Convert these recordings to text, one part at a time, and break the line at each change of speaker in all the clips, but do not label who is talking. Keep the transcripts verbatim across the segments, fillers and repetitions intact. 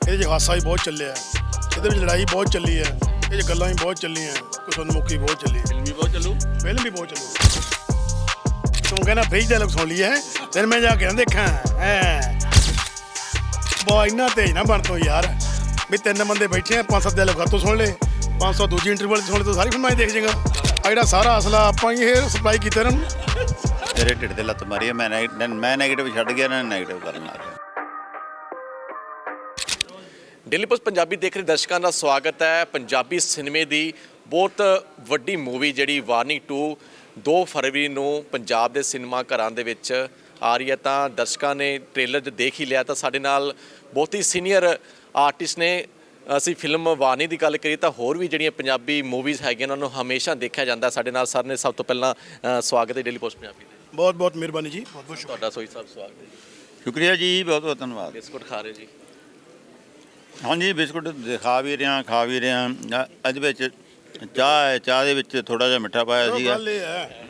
ਇਹਦੇ 'ਚ ਹਾਸਾ ਵੀ ਬਹੁਤ ਚੱਲਿਆ, ਇਹਦੇ ਵਿੱਚ ਲੜਾਈ ਬਹੁਤ ਚੱਲੀ ਹੈ, ਇਹ 'ਚ ਗੱਲਾਂ ਵੀ ਬਹੁਤ ਚੱਲੀਆਂ, ਕੁਛ ਉਨਮੁਖੀ ਬਹੁਤ ਚੱਲੀ,
ਫਿਲਮ ਵੀ ਬਹੁਤ ਚੱਲੂ
ਫਿਲਮ ਵੀ ਬਹੁਤ ਚੱਲੂ। ਤੂੰ ਕਹਿੰਦਾ ਫੇਜ ਦਾ ਲੋਕ ਸੁਣ ਲਈ ਹੈ, ਫਿਰ ਮੈਂ ਜਾ ਕੇ ਨਾ ਦੇਖਾਂ ਹੈ ਬਾ ਇੰਨਾ ਤੇਜ਼ ਨਾ ਬਣ ਤੋਂ ਯਾਰ ਵੀ ਤਿੰਨ ਬੰਦੇ ਬੈਠੇ ਆ, ਪੰਜ ਸੱਤ ਦੇ ਲੋਕ ਤੋਂ ਸੁਣ ਲੈ, ਪੰਜ ਸੌ ਦੂਜੀ ਇੰਟਰਵਲ ਸੁਣ ਲੈ ਤਾਂ ਸਾਰੀ ਫਿਲਮਾਂ ਹੀ ਦੇਖ ਜਾਏਗਾ। ਆ ਜਿਹੜਾ ਸਾਰਾ ਅਸਲਾ ਆਪਾਂ ਹੀ ਇਹ ਸਪਲਾਈ ਕੀਤਾ ਇਹਨਾਂ ਨੂੰ।
ਤੇਰੇ ਢਿੱਡ ਤੇ ਲੱਤ ਮਾਰੀ ਮੈਂ ਮੈਂ ਨੈਗੇਟਿਵ ਛੱਡ ਗਿਆ, ਇਹਨਾਂ ਨੇ ਨੈਗੇਟਿਵ ਕਰਨ ਲੱਗ ਗਿਆ।
ਡੇਲੀ ਪੋਸਟ ਪੰਜਾਬੀ ਦੇਖ ਰਹੇ ਦਰਸ਼ਕਾਂ ਦਾ ਸਵਾਗਤ ਹੈ। ਪੰਜਾਬੀ ਸਿਨੇਮੇ ਦੀ ਬਹੁਤ ਵੱਡੀ ਮੂਵੀ ਜਿਹੜੀ ਵਾਰਨਿੰਗ ਟੂ ਦੋ ਫਰਵਰੀ ਨੂੰ ਪੰਜਾਬ ਦੇ ਸਿਨੇਮਾ ਘਰਾਂ ਦੇ ਵਿੱਚ ਆ ਰਹੀ ਹੈ। ਤਾਂ ਦਰਸ਼ਕਾਂ ਨੇ ਟ੍ਰੇਲਰ 'ਚ ਦੇਖ ਹੀ ਲਿਆ, ਤਾਂ ਸਾਡੇ ਨਾਲ ਬਹੁਤ ਹੀ ਸੀਨੀਅਰ ਆਰਟਿਸਟ ਨੇ। ਅਸੀਂ ਫਿਲਮ ਵਾਰਨਿੰਗ ਦੀ ਗੱਲ ਕਰੀਏ ਤਾਂ ਹੋਰ ਵੀ ਜਿਹੜੀਆਂ ਪੰਜਾਬੀ ਮੂਵੀਜ਼ ਹੈਗੀਆਂ ਉਹਨਾਂ ਨੂੰ ਹਮੇਸ਼ਾ ਦੇਖਿਆ ਜਾਂਦਾ। ਸਾਡੇ ਨਾਲ ਸਰ ਨੇ। ਸਭ ਤੋਂ ਪਹਿਲਾਂ ਸਵਾਗਤ ਹੈ ਡੇਲੀ ਪੋਸਟ ਪੰਜਾਬੀ ਦੇ।
ਬਹੁਤ ਬਹੁਤ ਮਿਹਰਬਾਨੀ ਜੀ, ਬਹੁਤ ਬਹੁਤ
ਤੁਹਾਡਾ ਸੋਈ ਸਾਹਿਬ ਸਵਾਗਤ ਹੈ ਜੀ।
ਸ਼ੁਕਰੀਆ ਜੀ, ਬਹੁਤ ਬਹੁਤ ਧੰਨਵਾਦ।
ਬਿਸਕੁਟ ਖਾ ਰਹੇ ਜੀ?
ਹਾਂਜੀ, ਬਿਸਕੁਟ ਦਿਖਾ ਵੀ ਰਿਹਾ, ਖਾ ਵੀ ਰਿਹਾ। ਇਹਦੇ ਵਿੱਚ ਚਾਹ ਹੈ, ਚਾਹ ਦੇ ਵਿੱਚ ਥੋੜਾ ਜਿਹਾ ਮਿੱਠਾ ਪਾਇਆ ਸੀਗਾ।
ਗੱਲ ਇਹ ਹੈ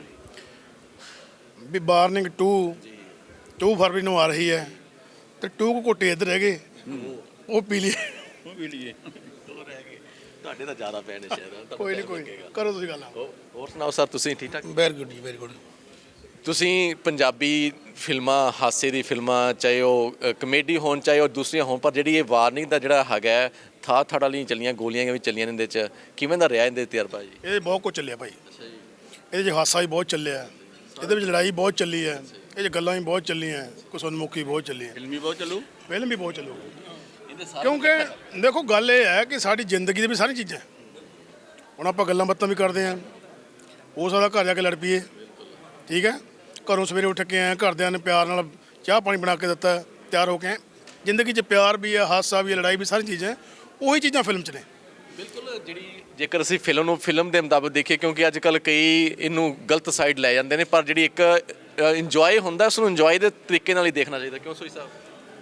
ਵੀ ਵਾਰਨਿੰਗ ਟੂ ਟੂ ਫਰਵਰੀ ਨੂੰ ਆ ਰਹੀ ਹੈ ਤੇ ਟੂ ਕੁ ਘੁੱਟੇ ਇੱਧਰ ਰਹਿ ਗਏ, ਉਹ ਪੀ ਲਈ
ਉਹ ਵੀ ਲਈਏ ਰਹਿ ਗਏ ਤੁਹਾਡੇ ਤਾਂ ਜ਼ਿਆਦਾ ਪੈਣ ਸ਼ਾਇਦ।
ਕੋਈ ਨਹੀਂ ਕੋਈ ਨਹੀਂ, ਕਰੋ ਤੁਸੀਂ ਗੱਲ।
ਹੋਰ ਸੁਣਾਓ ਸਰ, ਤੁਸੀਂ ਠੀਕ ਠਾਕ?
ਵੈਰੀ ਗੁੱਡ ਜੀ, ਵੈਰੀ ਗੁੱਡ।
ਤੁਸੀਂ ਪੰਜਾਬੀ ਫਿਲਮਾਂ, ਹਾਸੇ ਦੀ ਫਿਲਮਾਂ, ਚਾਹੇ ਉਹ ਕਮੇਡੀ ਹੋਣ ਚਾਹੇ ਉਹ ਦੂਸਰੀਆਂ ਹੋਣ, ਪਰ ਜਿਹੜੀ ਇਹ ਵਾਰਨਿੰਗ ਦਾ ਜਿਹੜਾ ਹੈਗਾ ਥਾ ਥੜ ਵਾਲੀਆਂ ਚੱਲੀਆਂ, ਗੋਲੀਆਂ ਵੀ ਚੱਲੀਆਂ ਇਹਦੇ 'ਚ, ਕਿਵੇਂ ਦਾ ਰਿਹਾ ਇਹਦੇ ਤਜਰਬਾ ਜੀ?
ਇਹ ਬਹੁਤ ਕੁਝ ਚੱਲਿਆ ਭਾਈ। ਇਹਦੇ 'ਚ ਹਾਸਾ ਵੀ ਬਹੁਤ ਚੱਲਿਆ, ਇਹਦੇ ਵਿੱਚ ਲੜਾਈ ਬਹੁਤ ਚੱਲੀ ਹੈ, ਇਹ 'ਚ ਗੱਲਾਂ ਵੀ ਬਹੁਤ ਚੱਲੀਆਂ, ਕੁਛ ਉਨਮੁਖੀ ਬਹੁਤ ਚੱਲੀ।
ਫਿਲਮ ਵੀ ਬਹੁਤ ਚੱਲੂ,
ਫਿਲਮ ਵੀ ਬਹੁਤ ਚੱਲੂ। ਕਿਉਂਕਿ ਦੇਖੋ ਗੱਲ ਇਹ ਹੈ ਕਿ ਸਾਡੀ ਜ਼ਿੰਦਗੀ ਦੇ ਵੀ ਸਾਰੀ ਚੀਜ਼ਾਂ, ਹੁਣ ਆਪਾਂ ਗੱਲਾਂ ਬਾਤਾਂ ਵੀ ਕਰਦੇ ਹਾਂ, ਹੋ ਸਕਦਾ ਘਰ ਜਾ ਕੇ ਲੜ ਪਈਏ, ਠੀਕ ਹੈ, ਘਰੋਂ ਸਵੇਰੇ ਉੱਠ ਕੇ ਆਏ, ਘਰਦਿਆਂ ਨੇ ਪਿਆਰ ਨਾਲ ਚਾਹ ਪਾਣੀ ਬਣਾ ਕੇ ਦਿੱਤਾ, ਤਿਆਰ ਹੋ ਕੇ ਆਏ। ਜ਼ਿੰਦਗੀ 'ਚ ਪਿਆਰ ਵੀ ਹੈ, ਹਾਸਾ ਵੀ ਹੈ, ਲੜਾਈ ਵੀ, ਸਾਰੀ ਚੀਜ਼ਾਂ ਉਹੀ ਚੀਜ਼ਾਂ ਫਿਲਮ 'ਚ ਨੇ।
ਬਿਲਕੁਲ। ਜਿਹੜੀ ਜੇਕਰ ਅਸੀਂ ਫਿਲਮ ਨੂੰ ਫਿਲਮ ਦੇ ਮੁਤਾਬਕ ਦੇਖੀਏ, ਕਿਉਂਕਿ ਅੱਜ ਕੱਲ੍ਹ ਕਈ ਇਹਨੂੰ ਗਲਤ ਸਾਈਡ ਲੈ ਜਾਂਦੇ ਨੇ, ਪਰ ਜਿਹੜੀ ਇੱਕ ਇੰਜੋਏ ਹੁੰਦਾ ਉਸ ਨੂੰ ਇੰਜੋਏ ਦੇ ਤਰੀਕੇ ਨਾਲ ਹੀ ਦੇਖਣਾ ਚਾਹੀਦਾ। ਕਿਉਂ ਸੋਈ ਸਾਹਿਬ?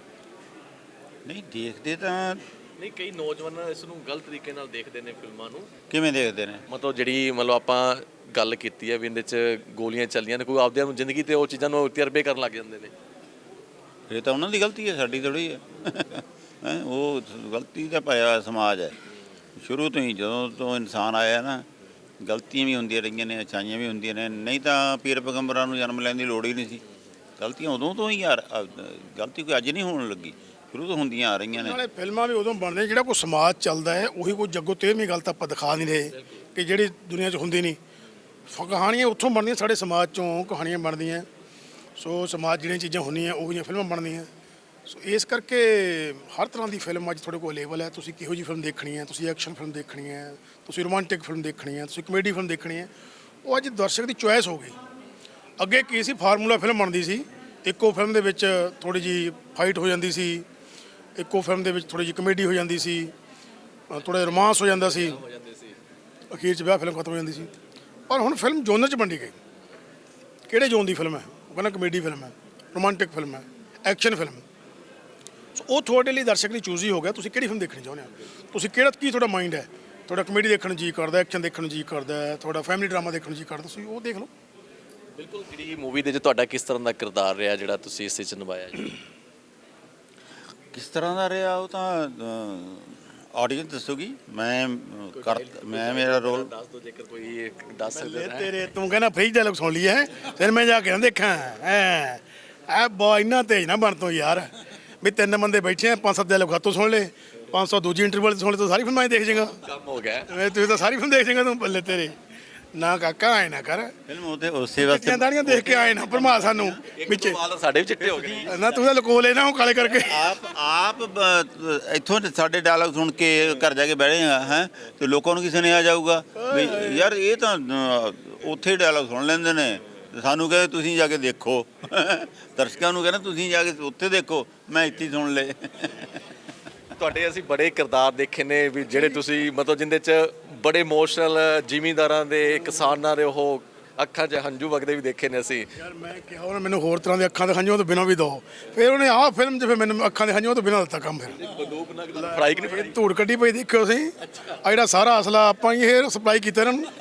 ਨਹੀਂ ਦੇਖਦੇ ਤਾਂ
ਨਹੀਂ, ਕਈ ਨੌਜਵਾਨ ਇਸ ਨੂੰ ਗਲਤ ਤਰੀਕੇ ਨਾਲ ਦੇਖਦੇ ਨੇ ਫਿਲਮਾਂ ਨੂੰ।
ਕਿਵੇਂ ਦੇਖਦੇ ਨੇ?
ਮਤਲਬ ਜਿਹੜੀ ਮਤਲਬ ਆਪਾਂ ਗੱਲ ਕੀਤੀ ਹੈ ਵੀ ਇਹਦੇ 'ਚ ਗੋਲੀਆਂ ਚੱਲੀਆਂ ਨੇ, ਕੋਈ ਆਪਦਿਆਂ ਨੂੰ ਜ਼ਿੰਦਗੀ 'ਤੇ ਉਹ ਚੀਜ਼ਾਂ ਨੂੰ ਤਜਰਬੇ ਕਰਨ ਲੱਗ ਜਾਂਦੇ ਨੇ।
ਇਹ ਤਾਂ ਉਹਨਾਂ ਦੀ ਗਲਤੀ ਹੈ, ਸਾਡੀ ਥੋੜ੍ਹੀ ਹੈ। ਹੈਂ, ਉਹ ਗਲਤੀ ਦਾ ਪਾਇਆ ਹੋਇਆ ਸਮਾਜ ਹੈ ਸ਼ੁਰੂ ਤੋਂ ਹੀ। ਜਦੋਂ ਤੋਂ ਇਨਸਾਨ ਆਇਆ ਨਾ, ਗਲਤੀਆਂ ਵੀ ਹੁੰਦੀਆਂ ਰਹੀਆਂ ਨੇ, ਅੱਛਾਈਆਂ ਵੀ ਹੁੰਦੀਆਂ ਨੇ। ਨਹੀਂ ਤਾਂ ਪੀਰ ਪੈਗੰਬਰਾਂ ਨੂੰ ਜਨਮ ਲੈਣ ਦੀ ਲੋੜ ਹੀ ਨਹੀਂ ਸੀ। ਗਲਤੀਆਂ ਉਦੋਂ ਤੋਂ ਹੀ ਯਾਰ, ਗਲਤੀ ਕੋਈ ਅੱਜ ਨਹੀਂ ਹੋਣ ਲੱਗੀ, ਸ਼ੁਰੂ ਤੋਂ ਹੁੰਦੀਆਂ ਆ ਰਹੀਆਂ ਨੇ।
ਨਾਲੇ ਫਿਲਮਾਂ ਵੀ ਉਦੋਂ ਬਣਦੀਆਂ ਜਿਹੜਾ ਕੋਈ ਸਮਾਜ ਚੱਲਦਾ ਹੈ, ਉਹੀ ਕੋਈ ਜੱਗੋ ਤੇਰਵੀਂ ਗੱਲ ਤਾਂ ਆਪਾਂ ਦਿਖਾ ਨਹੀਂ ਰਹੇ ਕਿ ਜਿਹੜੀ ਦੁਨੀਆ 'ਚ ਹੁੰਦੀ ਨਹੀਂ। ਕਹਾਣੀਆਂ ਉੱਥੋਂ ਬਣਦੀਆਂ, ਸਾਡੇ ਸਮਾਜ 'ਚੋਂ ਕਹਾਣੀਆਂ ਬਣਦੀਆਂ। ਸੋ ਸਮਾਜ ਜਿਹੜੀਆਂ ਚੀਜ਼ਾਂ ਹੁੰਦੀਆਂ ਉਹੀ ਫਿਲਮਾਂ ਬਣਦੀਆਂ। ਸੋ ਇਸ ਕਰਕੇ ਹਰ ਤਰ੍ਹਾਂ ਦੀ ਫਿਲਮ ਅੱਜ ਤੁਹਾਡੇ ਕੋਲ ਅਵੇਲੇਬਲ ਹੈ। ਤੁਸੀਂ ਕਿਹੋ ਜਿਹੀ ਫਿਲਮ ਦੇਖਣੀ ਹੈ, ਤੁਸੀਂ ਐਕਸ਼ਨ ਫਿਲਮ ਦੇਖਣੀ ਹੈ, ਤੁਸੀਂ ਰੋਮਾਂਟਿਕ ਫਿਲਮ ਦੇਖਣੀ ਹੈ, ਤੁਸੀਂ ਕਮੇਡੀ ਫਿਲਮ ਦੇਖਣੀ ਹੈ, ਉਹ ਅੱਜ ਦਰਸ਼ਕ ਦੀ ਚੁਆਇਸ ਹੋ ਗਈ। ਅੱਗੇ ਕੀ ਸੀ, ਫਾਰਮੂਲਾ ਫਿਲਮ ਬਣਦੀ ਸੀ, ਇੱਕੋ ਫਿਲਮ ਦੇ ਵਿੱਚ ਥੋੜ੍ਹੀ ਜਿਹੀ ਫਾਈਟ ਹੋ ਜਾਂਦੀ ਸੀ, ਇੱਕੋ ਫਿਲਮ ਦੇ ਵਿੱਚ ਥੋੜ੍ਹੀ ਜਿਹੀ ਕਮੇਡੀ ਹੋ ਜਾਂਦੀ ਸੀ, ਥੋੜ੍ਹਾ ਜਿਹਾ ਰੋਮਾਂਸ ਹੋ ਜਾਂਦਾ ਸੀ, ਅਖੀਰ 'ਚ ਵਿਆਹ ਫਿਲਮ ਖਤਮ ਹੋ ਜਾਂਦੀ ਸੀ। ਪਰ ਹੁਣ ਫਿਲਮ ਜੋਨਰ 'ਚ ਵੰਡੀ ਗਈ। ਕਿਹੜੇ ਜੋਨ ਦੀ ਫਿਲਮ ਹੈ? ਉਹ ਕਹਿੰਦਾ ਕਮੇਡੀ ਫਿਲਮ ਹੈ, ਰੋਮਾਂਟਿਕ ਫਿਲਮ ਹੈ, ਐਕਸ਼ਨ ਫਿਲਮ। ਸੋ ਉਹ ਤੁਹਾਡੇ ਲਈ ਦਰਸ਼ਕ ਲਈ ਚੂਜ਼ ਹੀ ਹੋ ਗਿਆ, ਤੁਸੀਂ ਕਿਹੜੀ ਫਿਲਮ ਦੇਖਣੀ ਚਾਹੁੰਦੇ ਹੋ। ਤੁਸੀਂ ਕਿਹੜਾ, ਕੀ ਤੁਹਾਡਾ ਮਾਈਂਡ ਹੈ, ਤੁਹਾਡਾ ਕਮੇਡੀ ਦੇਖਣ ਨੂੰ ਜੀ ਕਰਦਾ, ਐਕਸ਼ਨ ਦੇਖਣ ਨੂੰ ਜੀ ਕਰਦਾ, ਤੁਹਾਡਾ ਫੈਮਿਲੀ ਡਰਾਮਾ ਦੇਖਣ ਨੂੰ ਜੀ ਕਰਦਾ, ਤੁਸੀਂ ਉਹ ਦੇਖ ਲਓ।
ਬਿਲਕੁਲ। ਜਿਹੜੀ ਮੂਵੀ ਦੇ 'ਚ ਤੁਹਾਡਾ ਕਿਸ ਤਰ੍ਹਾਂ ਦਾ ਕਿਰਦਾਰ ਰਿਹਾ ਜਿਹੜਾ ਤੁਸੀਂ ਇਸ 'ਚ ਨਿਭਾਇਆ ਜੀ?
ਕਿਸ ਤਰ੍ਹਾਂ ਦਾ ਰਿਹਾ ਉਹ ਤਾਂ ਆਡੀਅנס ਦੱਸੂਗੀ। ਮੈਂ ਕਰ ਮੈਂ ਮੇਰਾ ਰੋਲ
ਦੱਸ ਦਿਓ ਜੇਕਰ ਕੋਈ ਦੱਸ ਸਕਦੇ ਹੋ।
ਤੇਰੇ ਤੂੰ ਕਹਿੰਦਾ ਫੇਜ ਦਾ ਲੋਕ ਸੁਣ ਲਈ ਹੈ, ਫਿਰ ਮੈਂ ਜਾ ਕੇ ਨਾ ਦੇਖਾਂ ਹੈ ਐ ਬਾ ਇੰਨਾ ਤੇਜ਼ ਨਾ ਬਣ ਤੋਂ ਯਾਰ ਵੀ ਤਿੰਨ ਬੰਦੇ ਬੈਠੇ ਆ, ਪੰਜ ਸੱਤ ਦੇ ਲੋਕ ਤੋਂ ਸੁਣ ਲੈ, ਪੰਜ ਸੌ ਦੂਜੀ ਇੰਟਰਵਲ ਸੁਣ ਲੈ ਤਾਂ ਸਾਰੀ ਫਿਲਮਾਂ ਹੀ ਦੇਖ ਜਾਏਗਾ।
ਕੰਮ ਹੋ ਗਿਆ,
ਤੁਸੀਂ ਤਾਂ ਸਾਰੀ ਫਿਲਮ ਦੇਖ ਜਾਏਗਾ। ਤੂੰ ਬੱਲੇ ਤੇਰੇ ਨਾ ਕਾਕਾ ਆਏ ਨਾ ਕਰ,
ਫਿਲਮ ਉਹਦੇ ਉਸੇ ਵਾਸਤੇ
ਦਾੜੀਆਂ ਦੇਖ ਕੇ ਆਏ ਨਾ ਭਰਮਾ ਸਾਨੂੰ ਵਿੱਚ
ਸਾਡੇ ਵੀ ਚਿੱਟੇ ਹੋ ਗਏ
ਨਾ। ਤੂੰ ਤਾਂ ਲਕੋ ਲੈ ਨਾ ਉਹ ਕਾਲੇ ਕਰਕੇ।
ਆਪ ਆਪ ਇੱਥੋਂ ਸਾਡੇ ਡਾਇਲੌਗ ਸੁਣ ਕੇ ਘਰ ਜਾ ਕੇ ਬਹਿ ਜਾਏਗਾ ਹੈ ਤੇ ਲੋਕਾਂ ਨੂੰ ਕਿਸੇ ਨੇ ਆ ਜਾਊਗਾ ਵੀ ਯਾਰ ਇਹ ਤਾਂ ਉੱਥੇ ਡਾਇਲੌਗ ਸੁਣ ਲੈਂਦੇ ਨੇ, ਸਾਨੂੰ ਕਹੇ ਤੁਸੀਂ ਜਾ ਕੇ ਦੇਖੋ। ਦਰਸ਼ਕਾਂ ਨੂੰ ਕਹਿੰਦਾ ਤੁਸੀਂ ਜਾ ਕੇ ਉੱਥੇ ਦੇਖੋ, ਮੈਂ ਇੱਥੇ ਸੁਣ ਲਏ।
ਤੁਹਾਡੇ ਅਸੀਂ ਬੜੇ ਕਿਰਦਾਰ ਦੇਖੇ ਨੇ ਵੀ ਜਿਹੜੇ ਤੁਸੀਂ ਮਤਲਬ ਜਿਹਦੇ 'ਚ ਬੜੇ ਇਮੋਸ਼ਨਲ ਜ਼ਿਮੀਂਦਾਰਾਂ ਦੇ, ਕਿਸਾਨਾਂ ਦੇ ਉਹ ਅੱਖਾਂ 'ਚ ਹੰਝੂ ਵਗਦੇ ਵੀ ਦੇਖੇ ਨੇ ਅਸੀਂ।
ਯਾਰ ਮੈਂ ਕਿਹਾ ਉਹਨੇ ਮੈਨੂੰ ਹੋਰ ਤਰ੍ਹਾਂ ਦੇ ਅੱਖਾਂ ਦੇ ਹੰਝੂਆਂ ਤੋਂ ਬਿਨਾਂ ਵੀ ਦਿਓ, ਫਿਰ ਉਹਨੇ ਆਹ ਫਿਲਮ 'ਚ ਫਿਰ ਮੈਨੂੰ ਅੱਖਾਂ ਦੇ ਹੰਝੂਆਂ ਤੋਂ ਬਿਨਾਂ ਦਿੱਤਾ ਕੰਮ। ਫਿਰ
ਫਰਾਈ ਨਹੀਂ ਪਈ,
ਧੂੜ ਕੱਢੀ ਪਈ ਦੇਖਿਓ ਅਸੀਂ। ਆ ਜਿਹੜਾ ਸਾਰਾ ਅਸਲਾ ਆਪਾਂ ਹੀ ਇਹ ਸਪਲਾਈ ਕੀਤਾ ਇਹਨਾਂ ਨੂੰ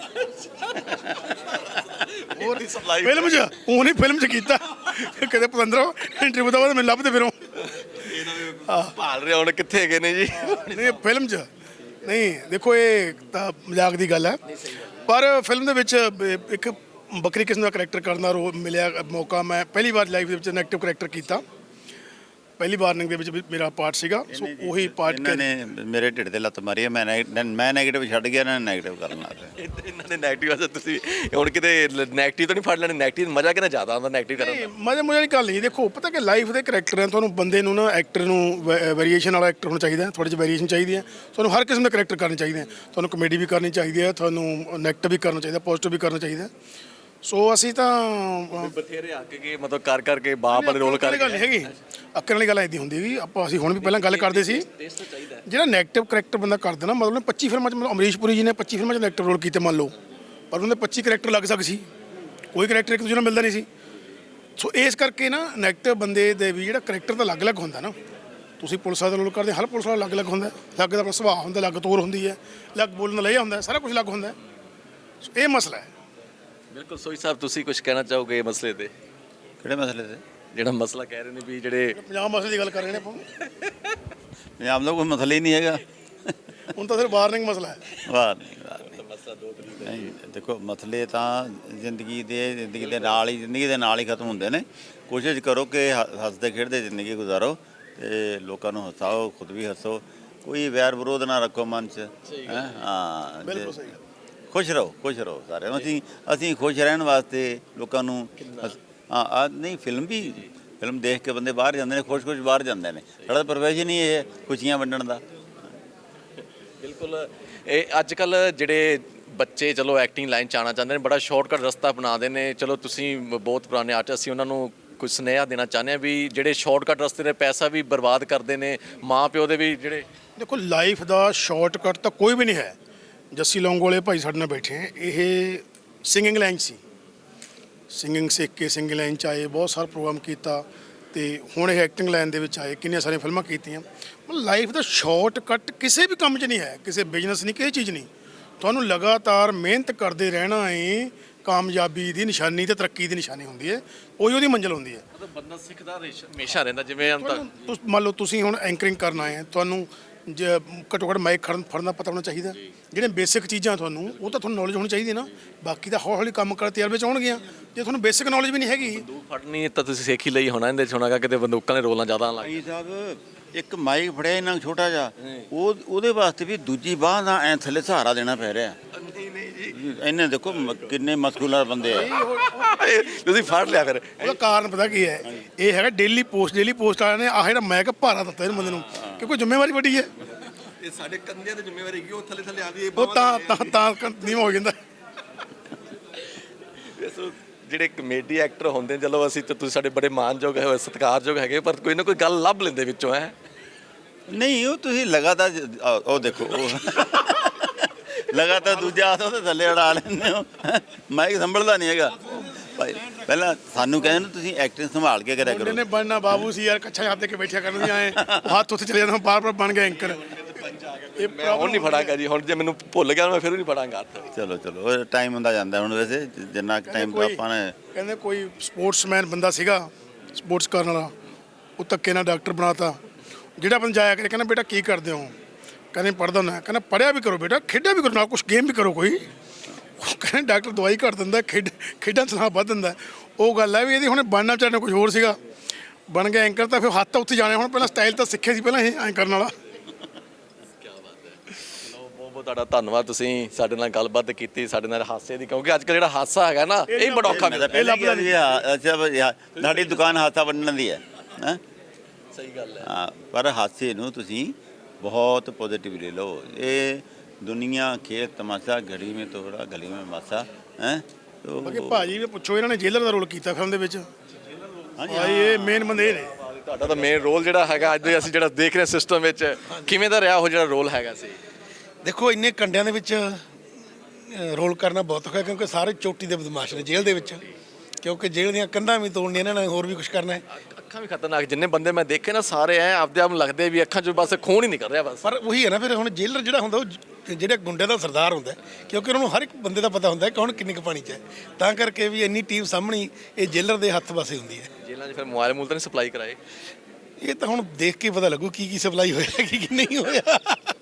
ਹੋਰ ਫਿਲਮ 'ਚ, ਉਹ ਨਹੀਂ ਫਿਲਮ 'ਚ ਕੀਤਾ। ਕਿਤੇ ਪਤੰਦਰੋਂ ਇੰਟਰਵਿਊ ਦਾ ਬਾਅਦ ਮੈਨੂੰ ਲੱਭਦੇ ਫਿਰੋਂ
ਭਾਲ ਰਹੇ ਹੁਣ ਕਿੱਥੇ ਹੈਗੇ ਨੇ ਜੀ?
ਨਹੀਂ ਫਿਲਮ 'ਚ ਨਹੀਂ, ਦੇਖੋ ਇਹ ਤਾਂ ਮਜ਼ਾਕ ਦੀ ਗੱਲ ਹੈ, ਪਰ ਫਿਲਮ ਦੇ ਵਿੱਚ ਬ- ਇੱਕ ਵੱਖਰੀ ਕਿਸਮ ਦਾ ਕਰੈਕਟਰ ਕਰਨ ਦਾ ਰੋ ਮਿਲਿਆ ਮੌਕਾ। ਮੈਂ ਪਹਿਲੀ ਵਾਰ ਲਾਈਫ ਦੇ ਵਿੱਚ ਨੈਗੇਟਿਵ ਕਰੈਕਟਰ ਕੀਤਾ, ਪਹਿਲੀ ਵਾਰਨਿੰਗ ਦੇ ਵਿੱਚ ਵੀ ਮੇਰਾ ਪਾਰਟ ਸੀਗਾ। ਸੋ ਉਹੀ ਪਾਰਟ
ਇਹਨਾਂ ਨੇ ਮੇਰੇ ਢਿੱਡ ਤੇ ਲੱਤ ਮਾਰੀ ਹੈ, ਮੈਂ ਨੈਗ- ਮੈਂ ਨੈਗੇਟਿਵ ਛੱਡ ਗਿਆ, ਇਹਨਾਂ ਨੇ ਨੈਗੇਟਿਵ ਕਰਨ ਲੱਗ ਪਏ।
ਇਹਨਾਂ ਨੇ ਨੈਗੇਟਿਵ ਅਸਰ ਤੁਸੀਂ ਹੁਣ ਕਿਤੇ ਨੈਗੇਟਿਵ ਤਾਂ ਨਹੀਂ ਫੜ ਲੈਣੇ? ਨੈਗੇਟਿਵ ਮਜ਼ਾ ਕਿੰਨਾ ਜ਼ਿਆਦਾ ਆਉਂਦਾ ਨੈਗੇਟਿਵ ਕਰਨ ਦਾ?
ਮਜ਼ੇ ਮਜ਼ੇ ਵਾਲੀ ਗੱਲ ਨਹੀਂ। ਦੇਖੋ ਪਤਾ ਕਿ ਲਾਈਫ ਦੇ ਕਰੈਕਟਰ ਹੈ, ਤੁਹਾਨੂੰ ਬੰਦੇ ਨੂੰ ਨਾ ਐਕਟਰ ਨੂੰ ਵੇਰੀਏਸ਼ਨ ਵਾਲਾ ਐਕਟਰ ਹੋਣਾ ਚਾਹੀਦਾ, ਥੋੜ੍ਹੀ ਜਿਹੀ ਵੇਰੀਏਸ਼ਨ ਚਾਹੀਦੀ ਹੈ। ਤੁਹਾਨੂੰ ਹਰ ਕਿਸਮ ਦੇ ਕਰੈਕਟਰ ਕਰਨੇ ਚਾਹੀਦੇ ਹੈ, ਤੁਹਾਨੂੰ ਕਮੇਡੀ ਵੀ ਕਰਨੀ ਚਾਹੀਦੀ ਹੈ, ਤੁਹਾਨੂੰ ਨੈਗੇਟਿਵ ਵੀ ਕਰਨਾ ਚਾਹੀਦਾ, ਪੋਜ਼ਿਟਿਵ ਵੀ ਕਰਨਾ ਚਾਹੀਦਾ। ਸੋ ਅਸੀਂ ਤਾਂ
ਬਥੇਰੇ ਅੱਕ ਕੇ ਮਤਲਬ ਕਰ ਕਰਕੇ ਬਾਪ ਵਾਲੇ ਰੋਲ ਕਰ
ਗੱਲ ਨਹੀਂ ਹੈਗੀ, ਅੱਕਣ ਵਾਲੀ ਗੱਲ ਐਦੀ ਹੁੰਦੀ ਵੀ ਆਪਾਂ ਅਸੀਂ ਹੁਣ ਵੀ ਪਹਿਲਾਂ ਗੱਲ ਕਰਦੇ ਸੀ, ਜਿਹੜਾ ਨੈਗੇਟਿਵ ਕਰੈਕਟਰ ਬੰਦਾ ਕਰਦਾ ਨਾ, ਮਤਲਬ ਪੱਚੀ ਫਿਲਮਾਂ 'ਚ, ਮਤਲਬ ਅਮਰੀਸ਼ ਪੁਰੀ ਜੀ ਨੇ ਪੱਚੀ ਫਿਲਮਾਂ 'ਚ ਨੈਗੇਟਿਵ ਰੋਲ ਕੀਤੇ ਮੰਨ ਲਓ, ਪਰ ਉਹਦੇ ਪੱਚੀ ਕਰੈਕਟਰ ਲੱਗ ਸਕਦੇ ਸੀ, ਕੋਈ ਕਰੈਕਟਰ ਇੱਕ ਦੂਜੇ ਨਾਲ ਮਿਲਦਾ ਨਹੀਂ ਸੀ। ਸੋ ਇਸ ਕਰਕੇ ਨਾ ਨੈਗੇਟਿਵ ਬੰਦੇ ਦੇ ਵੀ ਜਿਹੜਾ ਕਰੈਕਟਰ ਤਾਂ ਅਲੱਗ-ਅਲੱਗ ਹੁੰਦਾ ਨਾ। ਤੁਸੀਂ ਪੁਲਿਸ ਦਾ ਰੋਲ ਕਰਦੇ, ਹਰ ਪੁਲਿਸ ਵਾਲਾ ਅਲੱਗ-ਅਲੱਗ ਹੁੰਦਾ, ਅਲੱਗ ਦਾ ਆਪਣਾ ਸੁਭਾਅ ਹੁੰਦਾ, ਅਲੱਗ ਤੌਰ ਹੁੰਦੀ ਹੈ, ਅਲੱਗ ਬੋਲਣ ਦਾ ਲਹਿਜਾ ਹੁੰਦਾ, ਸਾਰਾ ਕੁਝ ਅਲੱਗ ਹੁੰਦਾ। ਸੋ ਇਹ ਮਸਲਾ ਹੈ।
ਬਿਲਕੁਲ। ਸੋਈ ਸਾਹਿਬ ਤੁਸੀਂ ਕੁਝ ਕਹਿਣਾ ਚਾਹੋਗੇ ਇਹ ਮਸਲੇ ਤੇ?
ਕਿਹੜੇ ਮਸਲੇ ਤੇ?
ਜਿਹੜਾ ਮਸਲਾ ਕਹਿ ਰਹੇ ਨੇ ਵੀ ਜਿਹੜੇ
ਪੰਜਾਬ ਮਸਲੇ ਦੀ ਗੱਲ ਕਰ ਰਹੇ ਨੇ ਆਪਾਂ,
ਪੰਜਾਬ ਦਾ ਕੋਈ ਮਸਲਾ ਹੀ ਨਹੀਂ ਹੈਗਾ,
ਹੁਣ ਤਾਂ ਸਿਰਫ ਵਾਰਨਿੰਗ ਮਸਲਾ ਹੈ।
ਵਾਹ ਨਹੀਂ ਵਾਹ ਨਹੀਂ
ਮਸਲਾ ਦੋ ਤਰੀਕ
ਨਹੀਂ, ਦੇਖੋ ਮਸਲੇ ਤਾਂ ਜ਼ਿੰਦਗੀ ਦੇ ਜ਼ਿੰਦਗੀ ਦੇ ਨਾਲ ਹੀ ਜ਼ਿੰਦਗੀ ਦੇ ਨਾਲ ਹੀ ਖਤਮ ਹੁੰਦੇ ਨੇ। ਕੋਸ਼ਿਸ਼ ਕਰੋ ਕਿ ਹ- ਹੱਸਦੇ ਖੇਡਦੇ ਜ਼ਿੰਦਗੀ ਗੁਜ਼ਾਰੋ ਤੇ ਲੋਕਾਂ ਨੂੰ ਹਸਾਓ, ਖੁਦ ਵੀ ਹੱਸੋ, ਕੋਈ ਵੈਰ ਵਿਰੋਧ ਨਾ ਰੱਖੋ ਮਨ 'ਚ। ਹੈਂ? ਹਾਂ,
ਬਿਲਕੁਲ ਸਹੀ।
ਖੁਸ਼ ਰਹੋ, ਖੁਸ਼ ਰਹੋ ਸਾਰੇ। ਅਸੀਂ ਅਸੀਂ ਖੁਸ਼ ਰਹਿਣ ਵਾਸਤੇ ਲੋਕਾਂ ਨੂੰ ਹੱਸ- ਹਾਂ ਆ ਨਹੀਂ, ਫਿਲਮ ਵੀ ਫਿਲਮ ਦੇਖ ਕੇ ਬੰਦੇ ਬਾਹਰ ਜਾਂਦੇ ਨੇ, ਖੁਸ਼-ਖੁਸ਼ ਬਾਹਰ ਜਾਂਦੇ ਨੇ। ਸਾਡਾ ਤਾਂ ਪ੍ਰੋਫੈਸ਼ਨ ਹੀ ਇਹ ਹੈ, ਖੁਸ਼ੀਆਂ ਵੰਡਣ ਦਾ।
ਬਿਲਕੁਲ। ਇਹ ਅੱਜ ਕੱਲ ਜਿਹੜੇ ਬੱਚੇ ਚਲੋ ਐਕਟਿੰਗ ਲਾਈਨ 'ਚ ਆਉਣਾ ਚਾਹੁੰਦੇ ਨੇ, ਬੜਾ ਸ਼ਾਰਟਕਟ ਰਸਤਾ ਬਣਾਉਂਦੇ ਨੇ। ਚਲੋ ਤੁਸੀਂ ਬਹੁਤ ਪੁਰਾਣੇ ਆਰਟਿਸਟ, ਅਸੀਂ ਉਹਨਾਂ ਨੂੰ ਕੁਝ ਸੁਨੇਹਾ ਦੇਣਾ ਚਾਹੁੰਦੇ ਹਾਂ ਵੀ ਜਿਹੜੇ ਸ਼ਾਰਟਕਟ ਰਸਤੇ 'ਤੇ ਪੈਸਾ ਵੀ ਬਰਬਾਦ ਕਰਦੇ ਨੇ, ਮਾਂ ਪਿਓ ਦੇ ਵੀ ਜਿਹੜੇ।
ਦੇਖੋ ਲਾਈਫ ਦਾ ਸ਼ਾਰਟਕਟ ਤਾਂ ਕੋਈ ਵੀ ਨਹੀਂ ਹੈ। ਜੱਸੀ ਲੌਂਗੋਵਾਲੇ ਭਾਈ ਸਾਡੇ ਨਾਲ ਬੈਠੇ ਹੈ, ਇਹ ਸਿੰਗਿੰਗ ਲਾਈਨ ਸੀ, ਸਿੰਗਿੰਗ ਸਿੱਖ ਕੇ ਸਿੰਗਿੰਗ ਲਾਈਨ 'ਚ ਆਏ, ਬਹੁਤ ਸਾਰਾ ਪ੍ਰੋਗਰਾਮ ਕੀਤਾ ਤੇ ਹੁਣ ਇਹ ਐਕਟਿੰਗ ਲਾਈਨ ਦੇ ਵਿੱਚ ਆਏ, ਕਿੰਨੀਆਂ ਸਾਰੀਆਂ ਫਿਲਮਾਂ ਕੀਤੀਆਂ। ਮਤਲਬ ਲਾਈਫ ਦਾ ਸ਼ਾਰਟਕਟ ਕਿਸੇ ਵੀ ਕੰਮ 'ਚ ਨਹੀਂ ਹੈ, ਕਿਸੇ ਬਿਜ਼ਨਸ ਨਹੀਂ, ਕਿਸੇ ਚੀਜ਼ ਨਹੀਂ। ਤੁਹਾਨੂੰ ਲਗਾਤਾਰ ਮਿਹਨਤ ਕਰਦੇ ਰਹਿਣਾ ਹੈ, ਕਾਮਯਾਬੀ ਦੀ ਨਿਸ਼ਾਨੀ ਤੇ ਤਰੱਕੀ ਦੀ ਨਿਸ਼ਾਨੀ ਹੁੰਦੀ ਹੈ, ਉਹੀ ਉਹਦੀ ਮੰਜ਼ਿਲ ਹੁੰਦੀ ਹੈ।
ਮਤਲਬ ਬੰਦਾ ਸਿੱਖਦਾ ਹਮੇਸ਼ਾ ਰਹਿੰਦਾ। ਜਿਵੇਂ ਹੁਣ ਤੱਕ
ਤੁਸ- ਮੰਨ ਲਓ ਤੁਸੀਂ ਹੁਣ ਐਂਕਰਿੰਗ ਕਰਨ ਆਏ ਹੈ, ਤੁਹਾਨੂੰ ਜ ਘੱਟੋ ਘੱਟ ਮਾਈਕ ਖੜਨ ਫੜਨ ਦਾ ਪਤਾ ਹੋਣਾ ਚਾਹੀਦਾ। ਜਿਹੜੇ ਬੇਸਿਕ ਚੀਜ਼ਾਂ ਤੁਹਾਨੂੰ, ਉਹ ਤਾਂ ਤੁਹਾਨੂੰ ਨੌਲੇਜ ਹੋਣੀ ਚਾਹੀਦੀ ਹੈ ਨਾ। ਬਾਕੀ ਤਾਂ ਹੌਲੀ ਹੌਲੀ ਕੰਮ ਕਰ ਤਜਰਬੇ 'ਚ ਆਉਣਗੀਆਂ। ਜੇ ਤੁਹਾਨੂੰ ਬੇਸਿਕ ਨੌਲੇਜ ਵੀ ਨਹੀਂ ਹੈਗੀ,
ਬੰਦੂਕ ਫੜਨੀ ਤਾਂ ਤੁਸੀਂ ਸਿੱਖ ਹੀ ਲਈ ਹੋਣਾ, ਇਹਦੇ 'ਚ ਹੋਣਾਗਾ ਕਿਤੇ ਬੰਦੂਕਾਂ ਦੇ ਰੋਲਾਂ ਜ਼ਿਆਦਾ ਲੱਗ।
ਭਾਈ ਸਾਹਿਬ ਇੱਕ ਮਾਈਕ ਫੜਿਆ ਇਹਨਾਂ ਛੋਟਾ ਜਿਹਾ, ਉਹ ਉਹਦੇ ਵਾਸਤੇ ਵੀ ਦੂਜੀ ਬਾਹ ਦਾ ਐ ਥੱਲੇ ਸਹਾਰਾ ਦੇਣਾ ਪੈ ਰਿਹਾ।
ਨਹੀਂ ਨਹੀਂ ਜੀ,
ਇਹਨੇ ਦੇਖੋ ਮ- ਕਿੰਨੇ ਮਸਕੂਲਰ ਬੰਦੇ ਆ।
ਤੁਸੀਂ ਫੜ ਲਿਆ ਫਿਰ।
ਉਹਦਾ ਕਾਰਨ ਪਤਾ ਕੀ ਹੈ? ਇਹ ਹੈਗਾ ਡੇਲੀ ਪੋਸਟ। ਡੇਲੀ ਪੋਸਟ ਵਾਲਿਆਂ ਨੇ ਆਹ ਜਿਹੜਾ ਮੈਕ ਭਾਰਾ ਦਿੱਤਾ ਇਹਨੂੰ ਬੰਦੇ ਨੂੰ, ਕਿਉਂਕਿ ਜ਼ਿੰਮੇਵਾਰੀ ਵੱਡੀ ਹੈ।
ਇਹ ਸਾਡੇ ਕੰਧਿਆਂ ਤੇ ਜ਼ਿੰਮੇਵਾਰੀ ਹੈਗੀ, ਉਹ ਥੱਲੇ ਥੱਲੇ ਆ ਵੀ
ਉਹ ਤਾਂ ਤਾਂ ਤਾਂ ਨੀਵਾਂ ਹੋ ਜਾਂਦਾ।
ਸੋ ਜਿਹੜੇ ਕਮੇਡੀ ਐਕਟਰ ਹੁੰਦੇ, ਚਲੋ ਅਸੀਂ ਤਾਂ ਤੁਸੀਂ ਸਾਡੇ ਬੜੇ ਮਾਣਯੋਗ ਹੈ, ਸਤਿਕਾਰਯੋਗ ਹੈਗੇ, ਪਰ ਕੋਈ ਨਾ ਕੋਈ ਗੱਲ ਲੱਭ ਲੈਂਦੇ ਵਿੱਚੋਂ ਹੈ।
ਨਹੀਂ ਉਹ ਤੁਸੀਂ ਲਗਾਤਾਰ ਜ- ਆ- ਉਹ ਦੇਖੋ ਉਹ ਲਗਾਤਾਰ ਦੂਜਾ ਹੱਥ ਉਹਦੇ ਥੱਲੇ ਅੜਾ ਲੈਂਦੇ ਹੋ। ਮਾਈਕ ਸੰਭਲਦਾ ਨਹੀਂ ਹੈਗਾ ਭਾਈ। ਪਹਿਲਾਂ ਸਾਨੂੰ ਕਹਿੰਦੇ ਤੁਸੀਂ ਐਕਟਿੰਗ ਸੰਭਾਲ ਕੇ ਕਰਿਆ
ਮੁੰਡੇ
ਕਰੋ।
ਨੇ ਬਣਨਾ ਬਾਬੂ ਸੀ ਯਾਰ, ਕੱਛਾ ਹੱਥ ਦੇ ਕੇ ਬੈਠਿਆ ਕਰਨ ਦੀ ਆਏ, ਹੱਥ ਉੱਥੇ ਚਲੇ ਜਾਂਦਾ, ਬਾਰ ਬਾਰ ਬਣ ਗਿਆ ਐਂਕਰ। ਇਹ
ਮੈਂ ਹੁਣ ਨਹੀਂ ਫੜਾਂਗਾ ਜੀ, ਹੁਣ ਜੇ ਮੈਨੂੰ ਭੁੱਲ ਗਿਆ ਮੈਂ ਫਿਰ ਵੀ ਨਹੀਂ ਫੜਾਂਗਾ ਹੱਥ।
ਚਲੋ ਚਲੋ ਉਹ ਟਾਈਮ ਹੁੰਦਾ ਜਾਂਦਾ ਹੁਣ। ਵੈਸੇ ਜਿੰਨਾ ਟਾਈਮ
ਕੋਈ-
ਆਪਾਂ ਨੇ
ਕਹਿੰਦੇ ਕੋਈ ਸਪੋਰਟਸਮੈਨ ਬੰਦਾ ਸੀਗਾ, ਸਪੋਰਟਸ ਕਰਨ ਵਾਲਾ, ਉਹ ਧੱਕੇ ਨਾਲ ਡਾਕਟਰ ਬਣਾਤਾ। ਜਿਹੜਾ ਬੰਦਾ ਜਾਇਆ ਕਰੇ, ਕਹਿੰਦਾ ਬੇਟਾ ਕੀ ਕਰਦੇ ਹੋ? ਕਹਿੰਦੇ ਪੜ੍ਹਦਾ ਨਾ। ਕਹਿੰਦਾ ਪੜ੍ਹਿਆ ਵੀ ਕਰੋ ਬੇਟਾ, ਖੇਡਿਆ ਵੀ ਕਰੋ, ਨਾਲ ਕੁਛ ਗੇਮ ਵੀ ਕਰੋ ਕੋਈ। ਉਹ ਕਹਿੰਦੇ ਡਾਕਟਰ ਦਵਾਈ ਘੱਟ ਦਿੰਦਾ, ਖੇਡ ਖੇਡਾਂ ਚਲਾ ਵੱਧ ਦਿੰਦਾ। ਉਹ ਗੱਲ ਹੈ ਵੀ ਇਹਦੀ ਹੁਣ ਬਣਨਾ ਚਾਹਣਾ ਕੁਝ ਹੋਰ ਸੀਗਾ, ਬਣ ਗਿਆ ਐਂਕਰ। ਤਾਂ ਫਿਰ ਹੱਥ ਤਾਂ ਉੱਥੇ ਜਾਣੇ। ਹੁਣ ਪਹਿਲਾਂ ਸਟਾਈਲ ਤਾਂ ਸਿੱਖਿਆ ਸੀ ਪਹਿਲਾਂ ਇਹ ਐਂ ਕਰਨ ਵਾਲਾ।
ਬਹੁਤ ਬਹੁਤ ਤੁਹਾਡਾ ਧੰਨਵਾਦ, ਤੁਸੀਂ ਸਾਡੇ ਨਾਲ ਗੱਲਬਾਤ ਕੀਤੀ, ਸਾਡੇ ਨਾਲ ਹਾਸੇ ਦੀ, ਕਿਉਂਕਿ ਅੱਜ ਕੱਲ੍ਹ ਜਿਹੜਾ ਹਾਸਾ ਹੈਗਾ ਨਾ, ਇਹ ਬੜਾ ਔਖਾ
ਮੈਂ ਤਾਂ
ਮਿਲਦਾ।
ਪਹਿਲਾਂ ਕਿਹਾ ਸੀ ਹਾਂ, ਅੱਛਾ ਬਈ ਹਾਂ, ਸਾਡੀ ਦੁਕਾਨ ਹਾਸਾ ਵੰਡਣ ਦੀ ਹੈ ਹੈਂ।
ਸਹੀ ਗੱਲ ਹੈ।
ਹਾਂ, ਪਰ ਹਾਸੇ ਨੂੰ ਤੁਸੀਂ ਬਹੁਤ ਪੋਜ਼ਿਟਿਵਲੀ ਲਓ। ਇਹ ਦੁਨੀਆ ਖੇਤ ਤਮਾਸ਼ਾ, ਘੜੀ ਮੇਂ ਤੋੜਾ ਗਲੀ ਮੇਂ ਮਾਸਾ ਹੈ।
ਬਾਕੀ ਭਾਜੀ ਵੀ ਪੁੱਛੋ, ਇਹਨਾਂ ਨੇ ਜੇਲਰ ਦਾ ਰੋਲ ਕੀਤਾ ਫਿਲਮ ਦੇ ਵਿੱਚ।
ਹਾਂਜੀ
ਭਾਈ ਇਹ ਮੇਨ ਬੰਦੇ ਇਹ ਨੇ।
ਤੁਹਾਡਾ ਤਾਂ ਮੇਨ ਰੋਲ ਜਿਹੜਾ ਹੈਗਾ ਅੱਜ ਦੇ ਅਸੀਂ ਜਿਹੜਾ ਦੇਖ ਰਹੇ ਸਿਸਟਮ ਵਿੱਚ, ਕਿਵੇਂ ਦਾ ਰਿਹਾ ਉਹ ਜਿਹੜਾ ਰੋਲ ਹੈਗਾ ਸੀ?
ਦੇਖੋ ਇੰਨੇ ਕੰਡਿਆਂ ਦੇ ਵਿੱਚ ਅ, ਰੋਲ ਕਰਨਾ ਬਹੁਤ ਔਖਾ, ਕਿਉਂਕਿ ਸਾਰੇ ਚੋਟੀ ਦੇ ਬਦਮਾਸ਼ ਨੇ ਜੇਲ੍ਹ ਦੇ ਵਿੱਚ। ਕਿਉਂਕਿ ਜੇਲ੍ਹ ਦੀਆਂ ਕੰਧਾਂ ਵੀ ਤੋੜਨੀਆਂ, ਇਹਨਾਂ ਨੇ ਹੋਰ ਵੀ ਕੁਝ ਕਰਨਾ ਹੈ।
ਅੱਖਾਂ ਵੀ ਖਤਰਨਾਕ, ਜਿੰਨੇ ਬੰਦੇ ਮੈਂ ਦੇਖੇ ਨਾ ਸਾਰੇ ਐ ਆਪਦੇ ਆਪ ਨੂੰ ਲੱਗਦੇ ਵੀ ਅੱਖਾਂ 'ਚੋਂ ਬਸ ਖੂਨ ਹੀ ਨਿਕਲ ਰਿਹਾ ਬਸ।
ਪਰ ਉਹੀ ਹੈ ਨਾ, ਫਿਰ ਹੁਣ ਜੇਲਰ ਜਿਹੜਾ ਹੁੰਦਾ ਉਹ ਜ- ਜਿਹੜੇ ਗੁੰਡੇ ਦਾ ਸਰਦਾਰ ਹੁੰਦਾ ਹੈ, ਕਿਉਂਕਿ ਉਹਨਾਂ ਨੂੰ ਹਰ ਇੱਕ ਬੰਦੇ ਦਾ ਪਤਾ ਹੁੰਦਾ ਹੈ ਕੌਣ ਕਿੰਨੇ ਕੁ ਪਾਣੀ 'ਚ ਹੈ। ਤਾਂ ਕਰਕੇ ਵੀ ਇੰਨੀ ਟੀਮ ਸਾਹਮਣੀ ਇਹ ਜੇਲਰ ਦੇ ਹੱਥ ਵਸੇ ਹੁੰਦੀ ਹੈ।
ਜੇਲ੍ਹਾਂ 'ਚ ਫਿਰ ਮੋਬਾਈਲ ਮੂਲ ਤਾਂ ਨਹੀਂ ਸਪਲਾਈ ਕਰਾਏ?
ਇਹ ਤਾਂ ਹੁਣ ਦੇਖ ਕੇ ਪਤਾ ਲੱਗੂ ਕੀ ਕੀ ਸਪਲਾਈ ਹੋਇਆ ਕੀ ਕੀ ਨਹੀਂ ਹੋਇਆ।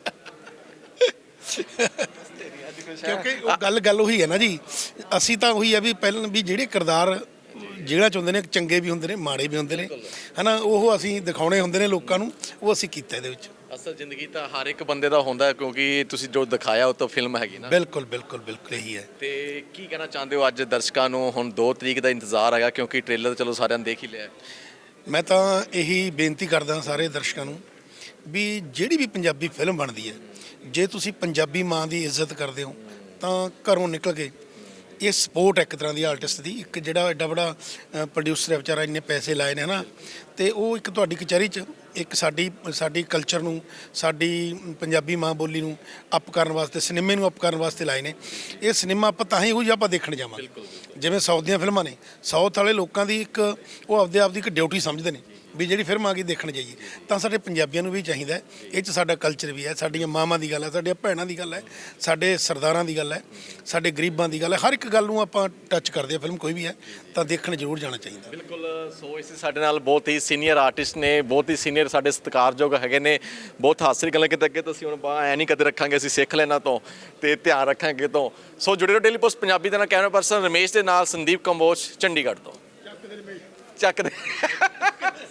ਕਿਉਂਕਿ ਉਹ ਗੱਲ ਗੱਲ ਉਹੀ ਹੈ ਨਾ ਜੀ, ਅਸੀਂ ਤਾਂ ਉਹੀ ਆ ਵੀ ਪਹਿਲਾਂ ਵੀ ਜਿਹੜੇ ਕਿਰਦਾਰ ਜਿਹੜਾ ਚ ਹੁੰਦੇ ਨੇ ਚੰਗੇ ਵੀ ਹੁੰਦੇ ਨੇ ਮਾੜੇ ਵੀ ਹੁੰਦੇ ਨੇ ਹਨਾ, ਉਹ ਅਸੀਂ ਦਿਖਾਉਣੇ ਹੁੰਦੇ ਨੇ ਲੋਕਾਂ ਨੂੰ, ਉਹ ਅਸੀਂ ਕੀਤਾ ਇਹਦੇ ਵਿੱਚ।
ਅਸਲ ਜ਼ਿੰਦਗੀ ਤਾਂ ਹਰ ਇੱਕ ਬੰਦੇ ਦਾ ਹੁੰਦਾ ਹੈ, ਕਿਉਂਕਿ ਤੁਸੀਂ ਜੋ ਦਿਖਾਇਆ ਉਹ ਤਾਂ ਫਿਲਮ ਹੈਗੀ ਨਾ।
ਬਿਲਕੁਲ ਬਿਲਕੁਲ ਬਿਲਕੁਲ ਇਹੀ ਹੈ।
ਤੇ ਕੀ ਕਹਿਣਾ ਚਾਹੁੰਦੇ ਹੋ ਅੱਜ ਦਰਸ਼ਕਾਂ ਨੂੰ? ਹੁਣ ਦੋ ਤਰੀਕ ਦਾ ਇੰਤਜ਼ਾਰ ਹੈਗਾ, ਕਿਉਂਕਿ ਟ੍ਰੇਲਰ ਚਲੋ ਸਾਰਿਆਂ ਨੇ ਦੇਖ ਹੀ ਲਿਆ।
ਮੈਂ ਤਾਂ ਇਹੀ ਬੇਨਤੀ ਕਰਦਾ ਸਾਰੇ ਦਰਸ਼ਕਾਂ ਨੂੰ ਵੀ ਜਿਹੜੀ ਵੀ ਪੰਜਾਬੀ ਫਿਲਮ ਬਣਦੀ ਹੈ, ਜੇ ਤੁਸੀਂ ਪੰਜਾਬੀ ਮਾਂ ਦੀ ਇੱਜ਼ਤ ਕਰਦੇ ਹੋ ਤਾਂ ਘਰੋਂ ਨਿਕਲ ਕੇ ਇਹ ਸਪੋਰਟ ਇੱਕ ਤਰ੍ਹਾਂ ਦੀ ਆਰਟਿਸਟ ਦੀ, ਇੱਕ ਜਿਹੜਾ ਐਡਾ ਬੜਾ ਪ੍ਰੋਡਿਊਸਰ ਹੈ ਵਿਚਾਰਾ, ਇੰਨੇ ਪੈਸੇ ਲਾਏ ਨੇ ਹਨਾ, ਤੇ ਉਹ ਇੱਕ ਤੁਹਾਡੀ ਕਚਹਿਰੀ 'ਚ ਇੱਕ ਸਾਡੀ ਸਾਡੀ ਕਲਚਰ ਨੂੰ, ਸਾਡੀ ਪੰਜਾਬੀ ਮਾਂ ਬੋਲੀ ਨੂੰ ਅਪ ਕਰਨ ਵਾਸਤੇ, ਸਿਨੇਮੇ ਨੂੰ ਅਪ ਕਰਨ ਵਾਸਤੇ ਲਾਏ ਨੇ। ਇਹ ਸਿਨੇਮਾ ਆਪਾਂ ਤਾਂ ਹੀ ਉਹੀ ਆਪਾਂ ਦੇਖਣ ਜਾਵਾਂਗੇ। ਜਿਵੇਂ ਸਾਊਥ ਦੀਆਂ ਫਿਲਮਾਂ ਨੇ, ਸਾਊਥ ਵਾਲੇ ਲੋਕਾਂ ਦੀ ਇੱਕ ਉਹ ਆਪਦੇ ਆਪ ਦੀ ਇੱਕ ਡਿਊਟੀ ਸਮਝਦੇ ਨੇ ਵੀ ਜਿਹੜੀ ਫਿਲਮ ਆ ਗਈ ਦੇਖਣ ਜਾਈਏ, ਤਾਂ ਸਾਡੇ ਪੰਜਾਬੀਆਂ ਨੂੰ ਵੀ ਚਾਹੀਦਾ ਹੈ, ਇਹ 'ਚ ਸਾਡਾ ਕਲਚਰ ਵੀ ਹੈ, ਸਾਡੀਆਂ ਮਾਵਾਂ ਦੀ ਗੱਲ ਹੈ, ਸਾਡੀਆਂ ਭੈਣਾਂ ਦੀ ਗੱਲ ਹੈ, ਸਾਡੇ ਸਰਦਾਰਾਂ ਦੀ ਗੱਲ ਹੈ, ਸਾਡੇ ਗਰੀਬਾਂ ਦੀ ਗੱਲ ਹੈ, ਹਰ ਇੱਕ ਗੱਲ ਨੂੰ ਆਪਾਂ ਟੱਚ ਕਰਦੇ ਆ। ਫਿਲਮ ਕੋਈ ਵੀ ਹੈ ਤਾਂ ਦੇਖਣ ਜ਼ਰੂਰ ਜਾਣਾ ਚਾਹੀਦਾ।
ਬਿਲਕੁਲ। ਸੋ ਇਸ ਸਾਡੇ ਨਾਲ ਬਹੁਤ ਹੀ ਸੀਨੀਅਰ ਆਰਟਿਸਟ ਨੇ, ਬਹੁਤ ਹੀ ਸੀਨੀਅਰ ਸਾਡੇ ਸਤਿਕਾਰਯੋਗ ਹੈਗੇ ਨੇ, ਬਹੁਤ ਹਾਸਰੀ ਗੱਲਾਂ ਕਿਤੇ ਅੱਗੇ ਤੁਸੀਂ ਹੁਣ ਬਾਹ ਐ ਨਹੀਂ ਕਦੇ ਰੱਖਾਂਗੇ, ਅਸੀਂ ਸਿੱਖ ਲੈਣਾ ਤੋਂ ਤੇ ਧਿਆਨ ਰੱਖਾਂਗੇ ਤੋਂ। ਸੋ ਜੁੜੇ ਰਹੋ ਡੇਲੀ ਪੋਸਟ ਪੰਜਾਬੀ ਦੇ ਨਾਲ। ਕੈਮਰਾ ਪਰਸਨ ਰਮੇਸ਼ ਦੇ ਨਾਲ ਸੰਦੀਪ ਕੰਬੋਜ, ਚੰਡੀਗੜ੍ਹ ਤੋਂ। ਚੱਕ ਦੇ